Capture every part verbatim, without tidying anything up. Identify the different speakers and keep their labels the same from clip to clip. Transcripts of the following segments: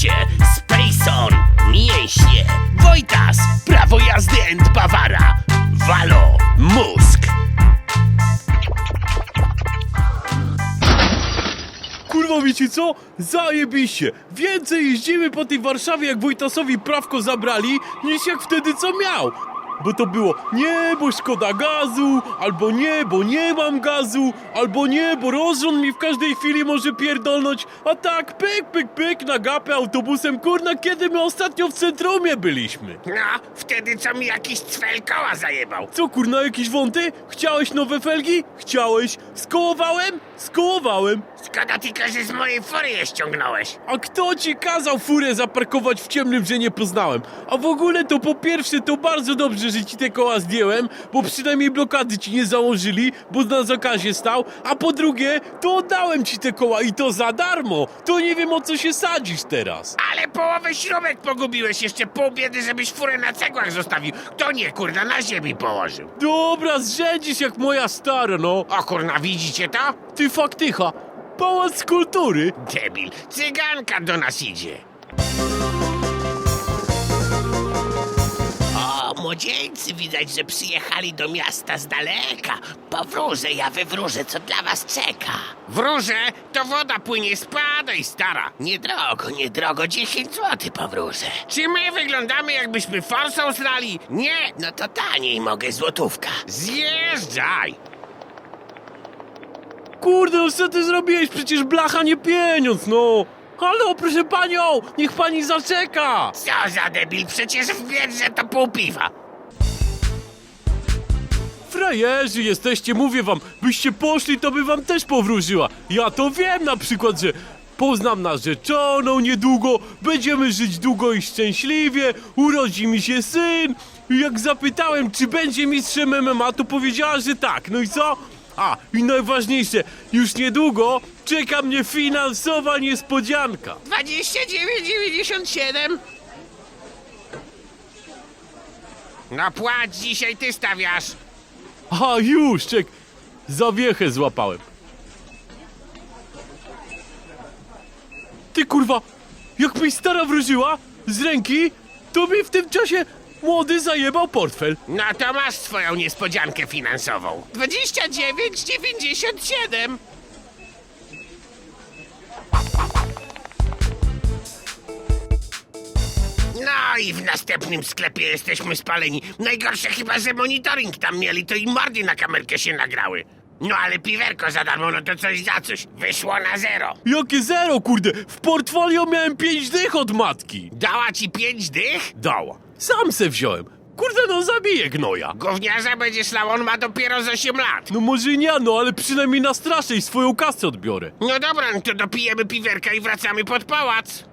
Speaker 1: Zajebiście! Spacon, mięśnie, Wojtas, prawo jazdy and Bawara, Walo, mózg.
Speaker 2: Kurwa, wiecie co? Zajebiście! Więcej jeździmy po tej Warszawie, jak Wojtasowi prawko zabrali, niż jak wtedy co miał. Bo to było nie, bo szkoda gazu, albo nie, bo nie mam gazu, albo nie, bo rozrząd mi w każdej chwili może pierdolnąć, a tak pyk, pyk, pyk na gapę autobusem, kurna, kiedy my ostatnio w centrumie byliśmy.
Speaker 1: No, wtedy co mi jakiś cwel koła zajebał.
Speaker 2: Co, kurna, jakieś wąty? Chciałeś nowe felgi? Chciałeś. Skołowałem? Skołowałem.
Speaker 1: Szkoda tylko, że z mojej fury je ściągnąłeś.
Speaker 2: A kto ci kazał furę zaparkować w ciemnym, że nie poznałem? A w ogóle to po pierwsze to bardzo dobrze, że ci te koła zdjąłem, bo przynajmniej blokady ci nie założyli, bo na zakazie stał, a po drugie to oddałem ci te koła i to za darmo. To nie wiem, o co się sadzisz teraz.
Speaker 1: Ale połowę śrubek pogubiłeś, jeszcze pół biedy, żebyś furę na cegłach zostawił. To nie, kurna, na ziemi położył.
Speaker 2: Dobra, zrzędzisz jak moja stara, no.
Speaker 1: O kurna, widzicie to?
Speaker 2: Ty faktycha, pałac kultury.
Speaker 1: Debil, cyganka do nas idzie. O, młodzieńcy, widać, że przyjechali do miasta z daleka. Powróżę, ja wywróżę, co dla was czeka. Wróżę, to woda płynie, spadaj, stara. Niedrogo, niedrogo, dziesięć złotych powróżę. Czy my wyglądamy, jakbyśmy forsą srali? Nie, no to taniej mogę, złotówka. Zjeżdżaj.
Speaker 2: Kurde, no co ty zrobiłeś? Przecież blacha nie pieniądz, no! Halo, proszę panią! Niech pani zaczeka!
Speaker 1: Co za debil, przecież w biedrze to pół piwa.
Speaker 2: Frajerzy jesteście, mówię wam, byście poszli, to by wam też powróżyła. Ja to wiem na przykład, że poznam narzeczoną niedługo, będziemy żyć długo i szczęśliwie, urodzi mi się syn. I jak zapytałem, czy będzie mistrzem M M A, to powiedziała, że tak. No i co? A, i najważniejsze, już niedługo czeka mnie finansowa niespodzianka.
Speaker 1: dwadzieścia dziewięć dziewięćdziesiąt siedem. No płać, dzisiaj ty stawiasz.
Speaker 2: A już, czek, zawiechę złapałem. Ty kurwa, jak mi stara wróżyła z ręki, to mi w tym czasie młody zajebał portfel.
Speaker 1: No to masz swoją niespodziankę finansową. dwadzieścia dziewięć dziewięćdziesiąt siedem. No i w następnym sklepie jesteśmy spaleni. Najgorsze chyba, że monitoring tam mieli, to i mordy na kamerkę się nagrały. No ale piwerko za darmo, no to coś za coś. Wyszło na zero.
Speaker 2: Jakie zero, kurde, w portfolio miałem pięć dych od matki.
Speaker 1: Dała ci pięć dych?
Speaker 2: Dała. Sam se wziąłem. Kurde, no zabiję gnoja.
Speaker 1: Gówniarza będziesz lał, on ma dopiero z osiem lat.
Speaker 2: No może nie, no ale przynajmniej nastraszę i swoją kasę odbiorę.
Speaker 1: No dobra, no to dopijemy piwerka i wracamy pod pałac.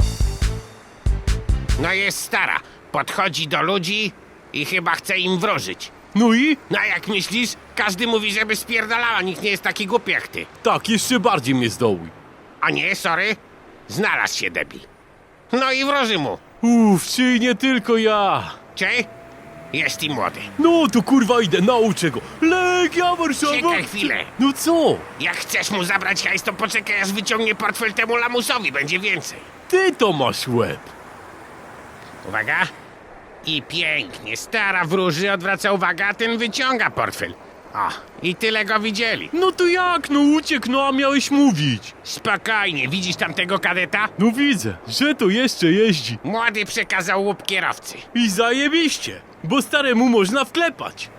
Speaker 1: No jest stara, podchodzi do ludzi i chyba chce im wróżyć.
Speaker 2: No i?
Speaker 1: No a jak myślisz? Każdy mówi, żeby spierdalała, nikt nie jest taki głupi jak ty.
Speaker 2: Tak, jeszcze bardziej mnie zdołuj.
Speaker 1: A nie, sorry, znalazł się debil. No i wróży mu.
Speaker 2: Uff, czy nie tylko ja.
Speaker 1: Czy? Jest i młody.
Speaker 2: No to kurwa idę, nauczę go. Legia Warszawa!
Speaker 1: Czekaj chwilę.
Speaker 2: No co?
Speaker 1: Jak chcesz mu zabrać hajs, to poczekaj, aż wyciągnie portfel temu lamusowi, będzie więcej.
Speaker 2: Ty to masz łeb.
Speaker 1: Uwaga. I pięknie, stara wróży, odwraca uwagę, a ten wyciąga portfel. O, i tyle go widzieli.
Speaker 2: No to jak? No uciekł, no a miałeś mówić.
Speaker 1: Spokojnie, widzisz tamtego kadeta?
Speaker 2: No widzę, że to jeszcze jeździ.
Speaker 1: Młody przekazał łup kierowcy.
Speaker 2: I zajebiście, bo staremu można wklepać.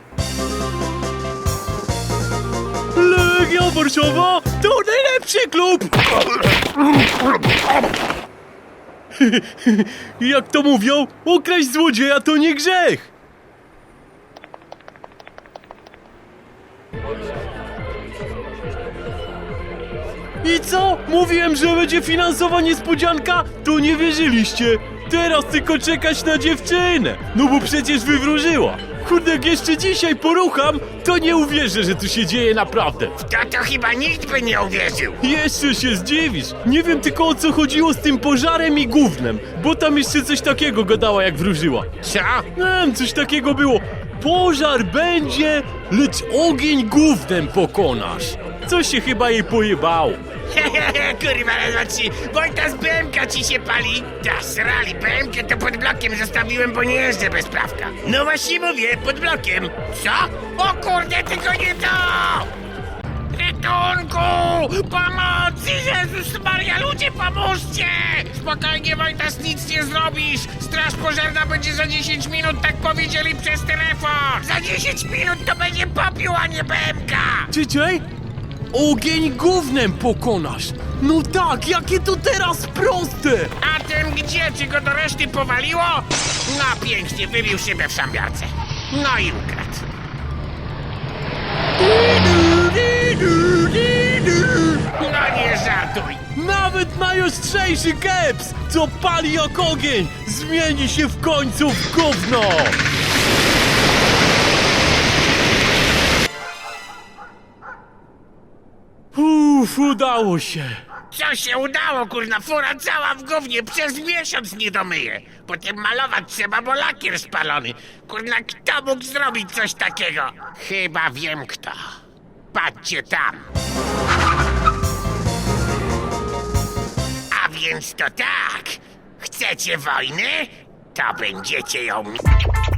Speaker 2: Legia Warszawa to najlepszy klub! Jak to mówią, okraść złodzieja to nie grzech! I co? Mówiłem, że będzie finansowa niespodzianka? To nie wierzyliście. Teraz tylko czekać na dziewczynę. No bo przecież wywróżyła. Kurde, jak jeszcze dzisiaj porucham, to nie uwierzę, że tu się dzieje naprawdę.
Speaker 1: To to chyba nikt by nie uwierzył.
Speaker 2: Jeszcze się zdziwisz. Nie wiem tylko, o co chodziło z tym pożarem i gównem, bo tam jeszcze coś takiego gadała, jak wróżyła.
Speaker 1: Co?
Speaker 2: Nie wiem, coś takiego było. Pożar będzie, lecz ogień gównem pokonasz. Coś się chyba jej pojebało.
Speaker 1: Kurwa, raz, ci. Wojtas, B M K ci się pali. Da, srali, B M K to pod blokiem zostawiłem, bo nie jeżdżę bez prawka. No właśnie mówię, pod blokiem. Co? O kurde, tylko nie to! Ratunku! Pomocy! Jezus Maria, ludzie, pomóżcie! Spokojnie, Wojtas, nic nie zrobisz! Straż pożarna będzie za dziesięć minut, tak powiedzieli przez telefon! Za dziesięć minut to będzie popiół, a nie B M K!
Speaker 2: Czytaj? Ogień gównem pokonasz! No tak, jakie to teraz proste!
Speaker 1: A ten gdzie? Czy go do reszty powaliło? No pięknie, wybił szybę w szambiarce. No i ukradł. No nie żartuj!
Speaker 2: Nawet najostrzejszy keps, co pali jak ogień, zmieni się w końcu w gówno! Uff, udało się!
Speaker 1: Co się udało, kurna, fura cała w gównie, przez miesiąc nie domyje. Potem malować trzeba, bo lakier spalony. Kurna, kto mógł zrobić coś takiego? Chyba wiem kto. Patrzcie tam. A więc to tak. Chcecie wojny? To będziecie ją...